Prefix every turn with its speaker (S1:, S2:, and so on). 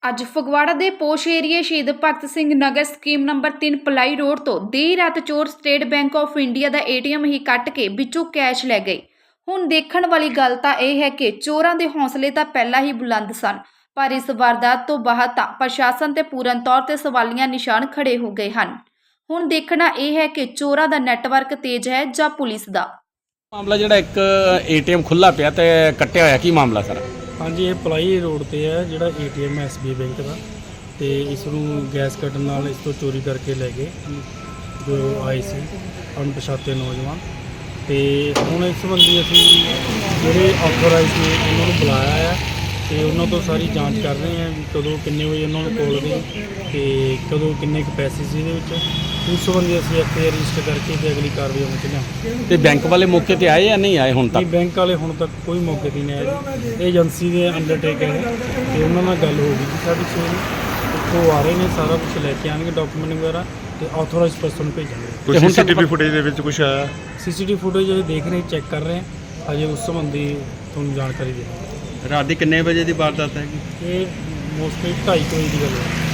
S1: ਅੱਜ ਫਗਵਾੜਾ ਦੇ ਪੋਸ਼ ਏਰੀਏ ਸ਼ਹੀਦ ਭਗਤ ਸਿੰਘ ਨਗਰ ਸਕੀਮ ਨੰਬਰ 3 ਪਲਾਈ ਰੋਡ ਤੋਂ ਦੇਰ ਰਾਤ ਚੋਰ ਸਟੇਟ ਬੈਂਕ ਆਫ ਇੰਡੀਆ ਦਾ ਏਟੀਐਮ ਹੀ ਕੱਟ ਕੇ ਵਿੱਚੋਂ ਕੈਸ਼ ਲੈ ਗਏ। ਹੁਣ ਦੇਖਣ ਵਾਲੀ ਗੱਲ ਤਾਂ ਇਹ ਹੈ ਕਿ ਚੋਰਾਂ ਦੇ ਹੌਸਲੇ ਤਾਂ ਪਹਿਲਾਂ ਹੀ ਬੁਲੰਦ ਸਨ, ਪਰ ਇਸ ਵਾਰਦਾਤ ਤੋਂ ਬਾਅਦ ਤਾਂ ਪ੍ਰਸ਼ਾਸਨ ਤੇ ਪੂਰਨ ਤੌਰ ਤੇ ਸਵਾਲੀਆ ਨਿਸ਼ਾਨ ਖੜੇ ਹੋ ਗਏ ਹਨ। ਹੁਣ ਦੇਖਣਾ ਇਹ ਹੈ ਕਿ ਚੋਰਾਂ ਦਾ ਨੈਟਵਰਕ ਤੇਜ਼ ਹੈ ਜਾਂ ਪੁਲਿਸ ਦਾ।
S2: ਮਾਮਲਾ ਜਿਹੜਾ ਇੱਕ ਏਟੀਐਮ ਖੁੱਲਾ ਪਿਆ ਤੇ ਕੱਟਿਆ ਹੋਇਆ, ਕੀ ਮਾਮਲਾ ਸਰ?
S3: ਹਾਂਜੀ, ਇਹ ਪਲਾਈ ਰੋਡ ਤੇ ਹੈ ਜਿਹੜਾ ਏਟੀਐਮ ਐਸਬੀਆਈ ਬੈਂਕ ਦਾ, ਤੇ ਇਸ ਨੂੰ ਗੈਸ ਕੱਢਣ ਨਾਲ ਇਸ ਤੋਂ ਚੋਰੀ ਕਰਕੇ ਲੈ ਗਏ ਜੋ ਆਏ ਸੀ ਅਣਪਛਾਤੇ ਨੌਜਵਾਨ। ਤੇ ਹੁਣ ਇਸ ਸੰਬੰਧੀ ਅਸੀਂ ਜਿਹੜੇ ਆਥੋਰਾਈਜ਼ ਨੇ ਉਹਨਾਂ ਨੂੰ ਬੁਲਾਇਆ ਹੈ ਤੇ ਉਹਨਾਂ ਤੋਂ ਸਾਰੀ ਜਾਂਚ ਕਰ ਰਹੇ ਹਾਂ ਵੀ ਕਦੋਂ ਕਿੰਨੇ ਵਜੇ ਉਹਨਾਂ ਨੂੰ ਕੋਲ ਗਈ ਤੇ ਕਦੋਂ ਕਿੰਨੇ ਕੁ ਪੈਸੇ ਸੀ ਇਹਦੇ ਵਿੱਚ। ਉਸ ਸੰਬੰਧੀ ਅਸੀਂ ਐਫਆਈਆਰ ਰਜਿਸਟਰ ਕਰਕੇ ਤੇ ਅਗਲੀ ਕਾਰਵਾਈ ਅਮਲ 'ਚ ਲਿਆਵਾਂਗੇ।
S2: ਤੇ ਬੈਂਕ ਵਾਲੇ ਮੌਕੇ ਤੇ ਆਏ ਜਾਂ ਨਹੀਂ ਆਏ ਹੁਣ ਤੱਕ?
S3: ਬੈਂਕ ਵਾਲੇ ਹੁਣ ਤੱਕ ਕੋਈ ਮੌਕੇ 'ਤੇ ਨਹੀਂ ਆਏ ਜੀ। ਇਹ ਏਜੰਸੀ ਦੇ ਅੰਡਰਟੇਕਰ ਹੈ ਤੇ ਉਹਨਾਂ ਨਾਲ ਗੱਲ ਹੋ ਗਈ ਜੀ ਸਾਡੀ ਸਵੇਰ ਨੂੰ। ਉੱਥੋਂ ਆ ਰਹੇ ਨੇ, ਸਾਰਾ ਕੁਝ ਲੈ ਕੇ ਆਉਣਗੇ ਡਾਕੂਮੈਂਟ ਵਗੈਰਾ ਤੇ ਆਥੋਰਾਈਜ਼ ਪਰਸਨ ਨੂੰ ਭੇਜਾਂਗੇ।
S4: ਕੋਈ ਸੀਸੀਟੀਵੀ ਫੁਟੇਜ ਦੇ ਵਿੱਚ ਕੁਝ ਆਇਆ?
S3: ਸੀਸੀਟੀਵੀ ਫੁਟੇਜ ਅਸੀਂ ਦੇਖ ਰਹੇ, ਚੈੱਕ ਕਰ ਰਹੇ ਹਾਂ, ਅਜੇ ਉਸ ਸੰਬੰਧੀ ਤੁਹਾਨੂੰ ਜਾਣਕਾਰੀ ਦੇਵਾਂਗੇ।
S4: ਰਾਤ ਦੀ ਕਿੰਨੇ ਵਜੇ ਦੀ ਵਾਰਦਾਤ ਹੈਗੀ?
S3: ਇਹ ਮੋਸਟਲੀ 2:30 ਵਜੇ ਦੀ ਗੱਲ ਹੈ।